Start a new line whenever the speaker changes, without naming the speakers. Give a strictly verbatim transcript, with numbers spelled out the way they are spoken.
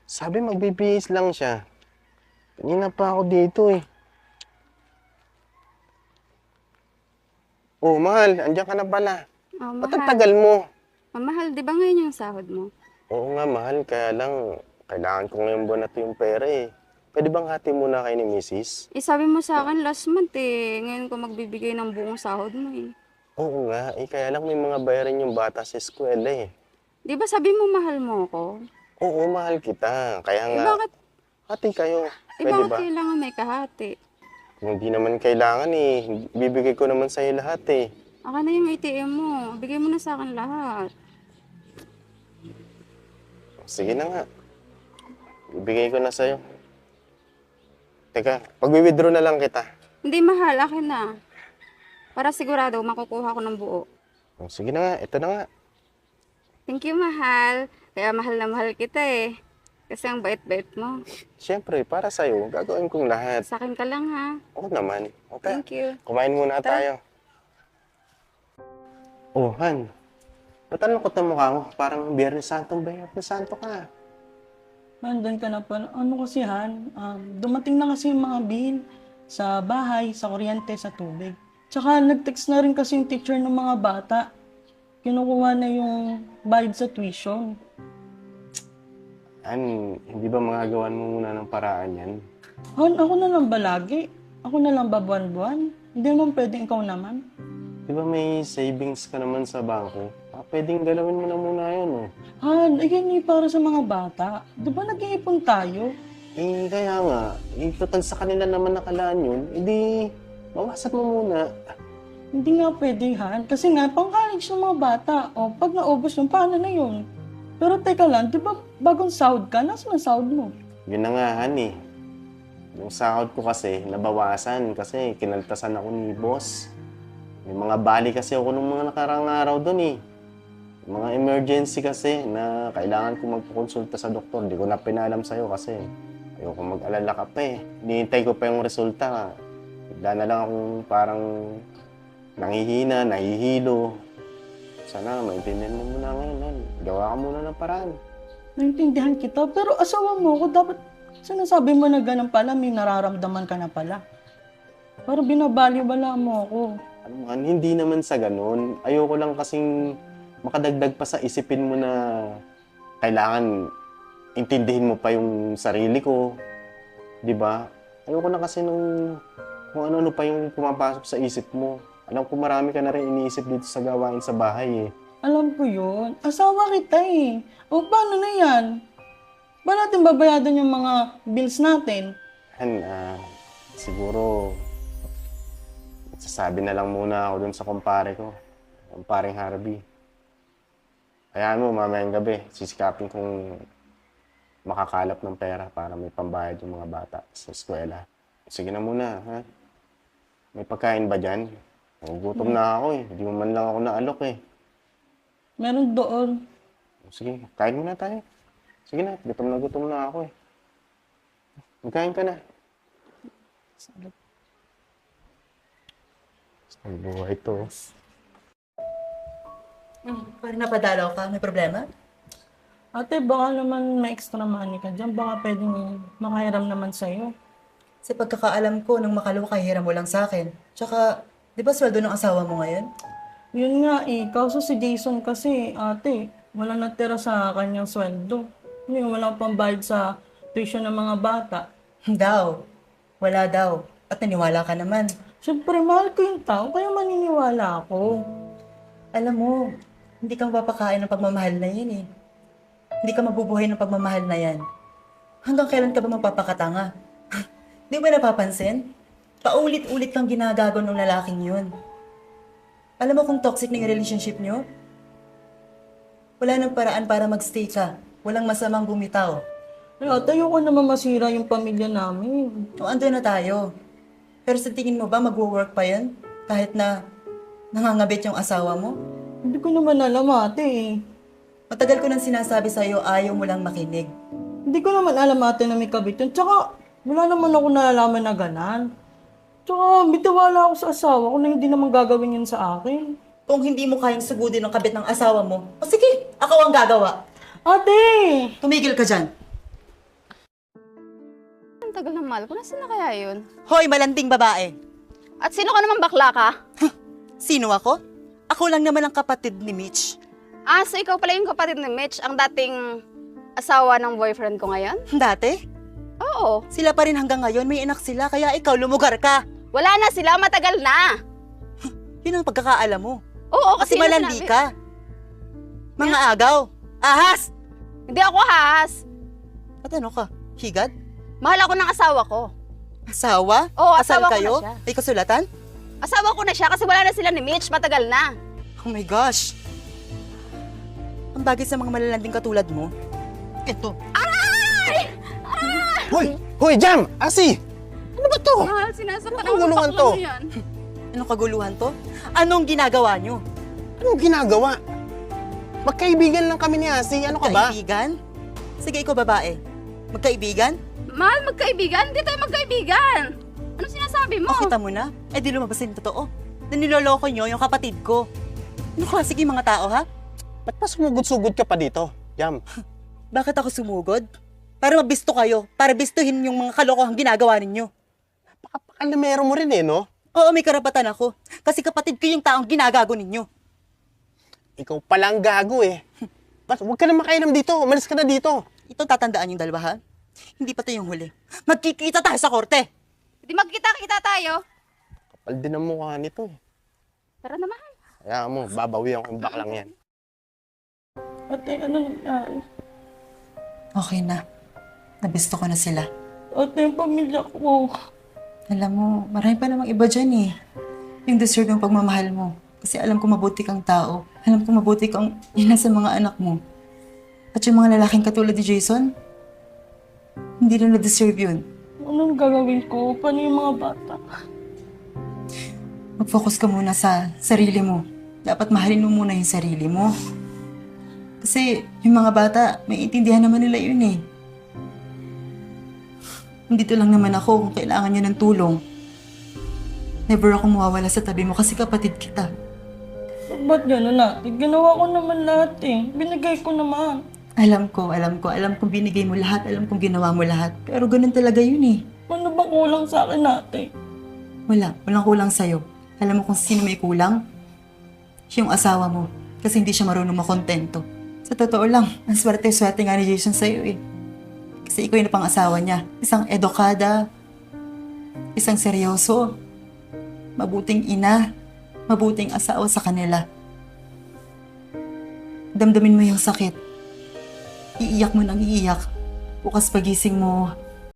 Sabi magbibihis lang siya. Kanina pa ako dito eh. Oh, mahal, andiyan ka na pala.
Oh,
Ba't ang
mahal.
tagal mo?
Oh, mahal, di ba ngayon yung sahod mo?
Oo nga, mahal. Kaya lang, kailangan ko ngayong buwan na to yung pera eh. Pwede bang hati muna kayo ni misis?
Eh, sabi mo sa akin last month eh. Ngayon ko magbibigay ng buong sahod mo eh.
Oo nga, eh kaya lang may mga bayarin yung bata sa eskwela eh.
Di ba sabi mo mahal mo ako?
Oo, mahal kita. Kaya
Eh,
nga,
bakit,
hati kayo.
eh,
Pwede
bakit
ba?
kailangan may kahati?
Kung hindi naman kailangan eh, bibigay ko naman sa'yo lahat eh.
Aka na yung A T M mo. Bigay mo na sa akin lahat.
Sige na nga. Bibigay ko na sa'yo. Teka, pag-withdraw na lang kita.
Hindi mahal, akin na. Para sigurado makukuha ko ng buo.
Oh, sige na nga, ito na nga.
Thank you, mahal. Kaya mahal na mahal kita eh. Kasi ang bait-bait mo.
Siyempre, para sa'yo, gagawin kong lahat.
Sa akin ka lang ha.
Oo naman. Okay.
Thank you.
Kumain muna
Tara.
tayo. Oh, Han. Ba't ang lungkot ng mukha mo? Parang Biyernes Santong Biyernes Santo ka.
Nandun ka na pala. Ano kasi Han, um, dumating na kasi yung mga bill sa bahay, sa kuryente, sa tubig. Tsaka nag-text na rin kasi yung teacher ng mga bata. Kinukuha na yung bayad sa tuition.
Han, hindi ba magagawan mo muna ng paraan yan?
Han, ako na lang ba lagi? Ako na lang ba buwan-buwan? Hindi naman pwedeng ikaw naman.
Di ba may savings ka naman sa bangko? Ah, pwedeng galawin mo na muna yun, oh.
Han, ayan eh, para sa mga bata. Di ba nag-iipon tayo?
Eh, kaya nga, eh, total sa kanila naman nakalaan yun, edi, bawasan mo muna.
Hindi nga pwede, Han. Kasi nga, pang-college ng mga bata. O, pag naubos yun, paano na yun? Pero teka lang, di ba bagong sahod ka? Nasaan ang sahod mo?
Yun na nga, Han, eh. Yung sahod ko kasi, nabawasan kasi kinaltasan ako ni boss. May mga bali kasi ako nung mga nakarang araw doon, eh. Mga emergency kasi na kailangan ko magpakonsulta sa doktor. Di ko na pinalam sa'yo kasi ayoko mag-alala ka pa eh. Hinihintay ko pa yung resulta. Bigla na lang akong parang nangihina, nahihilo. Sana maintindihan mo muna ngayon, Han. Gawa ka muna ng paraan.
Naintindihan kita, pero asawa mo ako, dapat sinasabi mo na ganun pala, may nararamdaman ka na pala. Parang binabaliwala mo ako.
Ano man, hindi naman sa ganun. Ayoko lang kasing makadagdag pa sa isipin mo na kailangan intindihin mo pa yung sarili ko. Di ba? Ayoko na kasi nung kung ano-ano pa yung pumapasok sa isip mo. Alam ko marami ka na rin iniisip dito sa gawain sa bahay eh.
Alam ko yun. Asawa kita eh. O paano na yan? Ba natin babayadan yung mga bills natin?
Han, ah, siguro sasabi na lang muna ako dun sa kumpare ko. Kumparing Harvey. Hayaan mo, mamayang gabi, sisikapin kong makakalap ng pera para may pambayad yung mga bata sa eskwela. Sige na muna, ha? May pagkain ba dyan? Nagugutom na ako eh. Hindi mo man lang ako naalok eh.
Meron doon.
Sige, kain muna tayo. Sige na, gutom na gutom na ako eh. Magkain ka na. Ang buhay to.
Hmm, parang napadalaw ka. May problema?
Ate, baka naman may extra money ka dyan. Baka pwedeng makahiram naman sa'yo.
Sa pagkakaalam ko, nung makalawa ka, hiram mo lang sa akin. Tsaka, di ba sweldo ng asawa mo ngayon?
Yun nga eh. Kaso si Jason kasi, ate, wala natira sa kanyang sweldo. Hindi, wala pang bayad sa tuition ng mga bata.
Daw. Wala daw. At naniwala ka naman.
Siyempre, mahal ko yung tao, kaya maniniwala ako.
Alam mo, hindi ka mapapakain ng pagmamahal na yan eh. Hindi ka mabubuhay ng pagmamahal na yan. Hanggang kailan ka ba magpapakatanga? Di ba napapansin? Paulit-ulit kang ginagago ng lalaking yun. Alam mo kung toxic na yung relationship nyo? Wala nang paraan para magstay ka. Walang masamang bumitaw.
Ay, ate, ayoko naman masira yung pamilya namin.
O, ando na tayo. Pero sa tingin mo ba magwo-work pa yan? Kahit na nangangabit yung asawa mo?
Hindi ko naman alam, ate.
Matagal ko nang sinasabi sa'yo, ayaw mo lang makinig.
Hindi ko naman alam, ate, na may kabit yun. Tsaka, wala naman ako nalalaman na ganan. Tsaka, bitiwala ako sa asawa ko na hindi naman gagawin yun sa akin.
Kung hindi mo kayang sugudin ng kabit ng asawa mo, o sige, ako ang gagawa.
Ate!
Tumigil ka dyan.
tagal ng mahal ko. Nasaan na kaya yun?
Hoy, malanding babae!
At sino ka naman bakla ka?
Sino ako? Ako lang naman ang kapatid ni Mitch.
Ah, so ikaw pala yung kapatid ni Mitch, ang dating asawa ng boyfriend ko ngayon?
Dati,
Oo.
sila pa rin hanggang ngayon, may anak sila, kaya ikaw lumugar ka.
Wala na sila, matagal na.
Yun ang pagkakaalam mo.
Oo,
Kasi
kasi yun ang
malandi
sinabi-
ka. Mga agaw. Ahas!
Hindi ako haas.
At ano ka? Higad?
Mahal ako ng asawa ko.
Asawa?
Oo,
Kasal
asawa ko
kayo?
na siya.
May kasulatan?
Asawa ko na siya kasi wala na sila ni Mitch, matagal na.
Oh my gosh. Ang bagay sa mga malalanding katulad mo. Ito.
Hoy! Hoy, Jam! Asi! Ano ba to?
Mahal, sinasaktan
Ano gulungan to?
yan.
Anong kaguluhan to? Anong ginagawa nyo?
Anong ginagawa? Magkaibigan lang kami ni Asi. Ano ka ba?
Kaibigan? Sige, ikaw babae. Magkaibigan?
Mahal, magkaibigan? Hindi tayo magkaibigan. Ano sinasabi mo?
O kita mo na? Eh di lumabas yung totoo. Na niloloko nyo yung kapatid ko. Ano ka? Sige mga tao ha?
Ba't pa sumugod-sugod ka pa dito, Jam?
Bakit ako sumugod? Para mabisto kayo. Para bistuhin yung mga kalokohang ginagawa ninyo.
Pakalamero mo rin eh, no?
Oo, may karapatan ako. Kasi kapatid ko yung taong ginagago ninyo.
Ikaw palang gago eh. Ba't huwag ka na makainom dito? Umalis ka na dito.
Ito tatandaan yung dalawa ha? Hindi pa to yung huli. Magkikita tayo sa korte.
Hindi magkita-kita tayo.
Kapal din ang mukha nito eh.
Pero na mahal.
Kaya mo, babawi ako yung baklang yan.
Ate, ano nangyari?
Okay na. Nabisto ko na sila.
Ate, yung pamilya ko.
Alam mo, marami pa namang iba dyan eh. Yung deserve yung pagmamahal mo. Kasi alam ko mabuti kang tao. Alam ko mabuti kang ina sa mga anak mo. At yung mga lalaking katulad ni Jason, hindi na na-deserve yun.
Anong gagawin ko? Paano yung mga bata?
Mag-focus ka muna sa sarili mo. Dapat mahalin mo muna yung sarili mo. Kasi yung mga bata, may intindihan naman nila yun eh. Nandito lang naman ako kung kailangan niya ng tulong. Never ako mawawala sa tabi mo kasi kapatid kita.
Ba't gano'n natin? Ginawa ko naman lahat eh. Binigay ko naman.
Alam ko, alam ko, alam kong binigay mo lahat, alam kong ginawa mo lahat. Pero ganun talaga yun eh.
Ano bang kulang sa akin natin?
Wala, walang kulang sa'yo. Alam mo kung sino may kulang? Yung asawa mo. Kasi hindi siya marunong makontento. Sa totoo lang, ang swerte-swerte nga ni Jason sa'yo eh. Kasi ikaw yung pang-asawa niya. Isang edukada, isang seryoso, mabuting ina, mabuting asawa sa kanila. Damdamin mo yung sakit. Iiyak mo nang iiyak. Bukas pagising mo,